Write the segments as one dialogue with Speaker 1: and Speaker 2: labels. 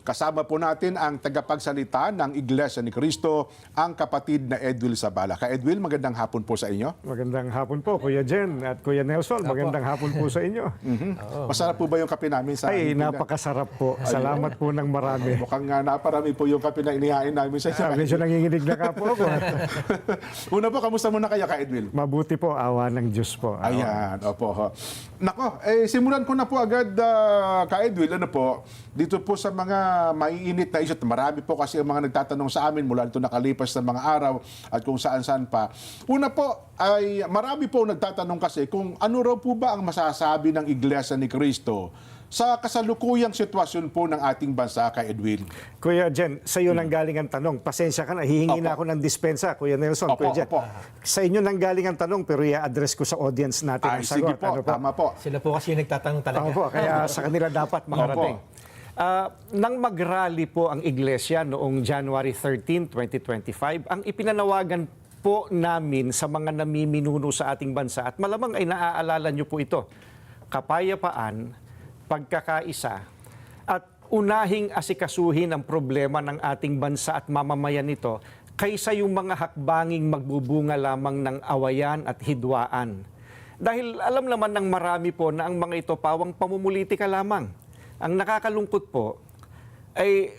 Speaker 1: Kasama po natin ang tagapagsalita ng Iglesia ni Cristo, ang kapatid na Edwil Zabala. Ka Edwil, magandang hapon po sa inyo.
Speaker 2: Magandang hapon po, Kuya Jen at Kuya Nelson. Magandang hapon po sa inyo.
Speaker 1: Masarap po ba yung kape namin sa
Speaker 2: Ay, napakasarap po. Salamat po ng marami.
Speaker 1: Mukhang naparami po yung kape na inihain namin sa inyo.
Speaker 2: Medyo nanginginig na ka po ako.
Speaker 1: Una po, kamusta muna kayo, Ka Edwil?
Speaker 2: Mabuti po, awa ng Diyos po.
Speaker 1: Ayan, opo. Ho. Nako, simulan ko na po agad, Ka Edwil, ano po, dito po sa mga maiinit na isyu. Marami po kasi ang mga nagtatanong sa amin mula nito nakalipas na mga araw at kung saan-saan pa. Una po, ay marami po nagtatanong kasi kung ano raw po ba ang masasabi ng Iglesia ni Cristo sa kasalukuyang sitwasyon po ng ating bansa, Ka Edwin.
Speaker 2: Kuya Jen, sa iyo nang galing ang tanong. Pasensya ka na, hihingi na ako ng dispensa, Kuya Nelson,
Speaker 1: Opo,
Speaker 2: Kuya Jen.
Speaker 1: opo.
Speaker 2: Sa inyo nang galing ang tanong, pero i-address ko sa audience natin ang
Speaker 1: Sige
Speaker 2: sagot.
Speaker 1: po, tama po.
Speaker 3: Sila po kasi yung nagtatanong talaga.
Speaker 2: Opo, kaya sa kanila dapat makarating. Nang mag-rally po ang Iglesia noong January 13, 2025, ang ipinanawagan po namin sa mga namiminuno sa ating bansa, at malamang ay naaalala niyo po ito, kapayapaan, pagkakaisa, at unahing asikasuhin ang problema ng ating bansa at mamamayan nito kaysa yung mga hakbanging magbubunga lamang ng awayan at hidwaan. Dahil alam naman ng marami po na ang mga ito pawang pamumulitika lamang. Ang nakakalungkot po ay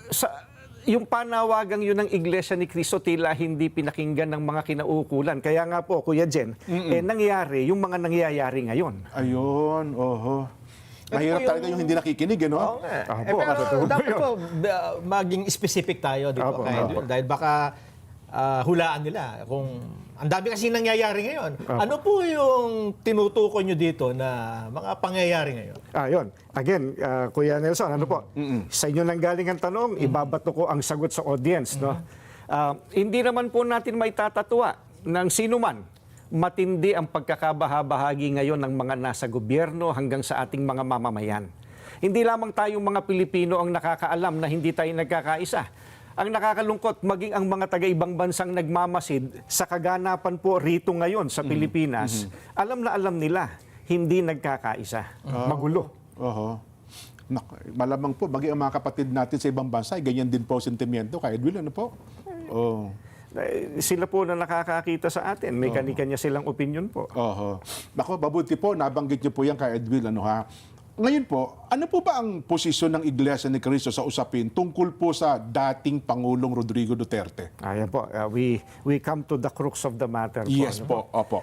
Speaker 2: yung panawagang yun ng Iglesia ni Cristo tila hindi pinakinggan ng mga kinauukulan. Kaya nga po, Kuya Jen, nangyari yung mga nangyayari ngayon.
Speaker 1: Ayun, oho. Mahirap talaga yung hindi nakikinig, no?
Speaker 3: Oo nga.
Speaker 2: Opo,
Speaker 3: Pero dapat po maging specific tayo, di ba?
Speaker 2: Opo,
Speaker 3: Dahil baka hulaan nila kung ang dami kasi nangyayari ngayon. Ano po yung tinutukoy nyo dito na mga pangyayari ngayon?
Speaker 2: Yun. Again, Kuya Nelson, ano po? Sa inyo nang galing ang tanong, ibabato ko ang sagot sa audience. No? Hindi naman po natin may tatatwa ng sino man. Matindi ang pagkakabahabahagi ngayon ng mga nasa gobyerno hanggang sa ating mga mamamayan. Hindi lamang tayong mga Pilipino ang nakakaalam na hindi tayo nagkakaisa. Ang nakakalungkot, maging ang mga taga-ibang bansang nagmamasid sa kaganapan po rito ngayon sa Pilipinas, alam na alam nila, hindi nagkakaisa. Magulo.
Speaker 1: Oho. Malamang po, maging ang mga kapatid natin sa ibang bansa, ganyan din po sentimiento. Ka Edwin, ano po? Oh.
Speaker 2: Sila po na nakakakita sa atin. May kanya-kanya silang opinion po.
Speaker 1: Oho. Nako, mabuti po, nabanggit niyo po yan, Ka Edwin, ano ha? Ngayon po, ano po ba ang posisyon ng Iglesia ni Cristo sa usapin tungkol po sa dating Pangulong Rodrigo Duterte?
Speaker 2: Ayan po, we come to the crux of the matter.
Speaker 1: Yes po, opo.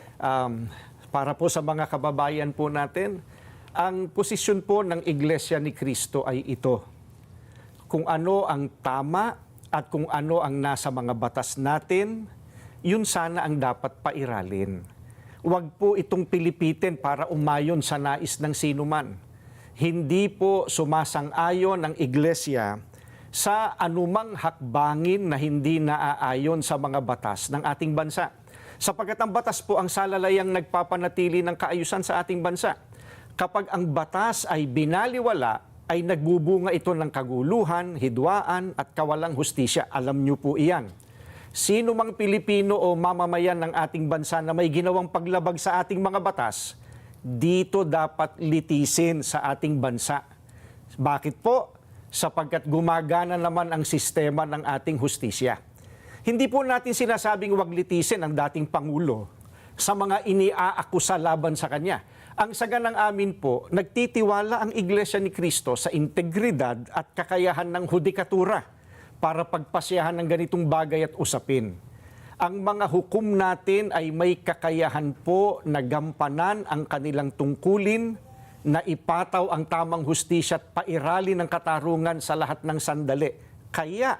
Speaker 2: Para po sa mga kababayan po natin, ang posisyon po ng Iglesia ni Cristo ay ito. Kung ano ang tama at kung ano ang nasa mga batas natin, yun sana ang dapat pairalin. Huwag po itong pilipitin para umayon sa nais ng sinuman. Hindi po sumasang-ayon ang Iglesia sa anumang hakbangin na hindi naaayon sa mga batas ng ating bansa. Sapagkat ang batas po ang salalayang nagpapanatili ng kaayusan sa ating bansa. Kapag ang batas ay binaliwala, ay nagbubunga ito ng kaguluhan, hidwaan at kawalang hustisya. Alam niyo po iyan. Sino mang Pilipino o mamamayan ng ating bansa na may ginawang paglabag sa ating mga batas, dito dapat litisin sa ating bansa. Bakit po? Sapagkat gumagana naman ang sistema ng ating hustisya. Hindi po natin sinasabing wag litisin ang dating Pangulo sa mga iniaakusa laban sa kanya. Ang saga ng amin po, nagtitiwala ang Iglesia ni Cristo sa integridad at kakayahan ng hudikatura para pagpasyahan ng ganitong bagay at usapin. Ang mga hukom natin ay may kakayahan po na gampanan ang kanilang tungkulin, na ipataw ang tamang hustisya at pairali ng katarungan sa lahat ng sandali. Kaya,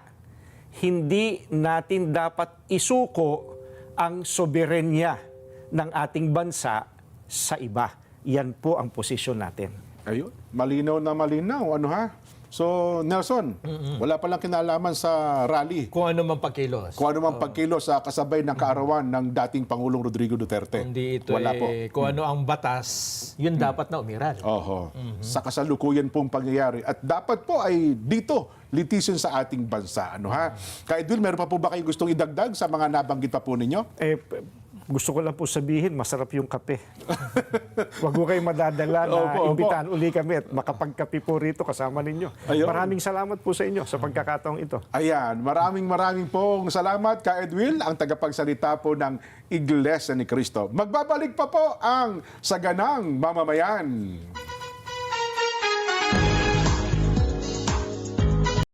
Speaker 2: hindi natin dapat isuko ang soberenya ng ating bansa sa iba. Yan po ang posisyon natin.
Speaker 1: Ayun, malinaw na malinaw, ano ha? So, Nelson, wala palang kinalaman sa rally.
Speaker 3: Kung ano man pagkilos.
Speaker 1: Kung ano mang pagkilos sa kasabay ng kaarawan ng dating Pangulong Rodrigo Duterte.
Speaker 3: Hindi ito
Speaker 1: wala po.
Speaker 3: kung ano ang batas, yun dapat na umiral.
Speaker 1: Oho. Sa kasalukuyan pong pangyayari. At dapat po ay dito, litisin sa ating bansa. Ano ha? Ka Edwin, meron pa po ba kayong gustong idagdag sa mga nabanggit pa po ninyo?
Speaker 2: Gusto ko lang po sabihin, masarap yung kape. Huwag ko kayo madadala na
Speaker 1: Opo.
Speaker 2: imbitahan uli kami at makapagkape po rito kasama ninyo.
Speaker 1: Ayun.
Speaker 2: Maraming salamat po sa inyo sa pagkakataong ito.
Speaker 1: Ayan, maraming pong salamat ka Edwil, ang tagapagsalita po ng Iglesia ni Cristo. Magbabalik pa po ang Saganang Mamamayan.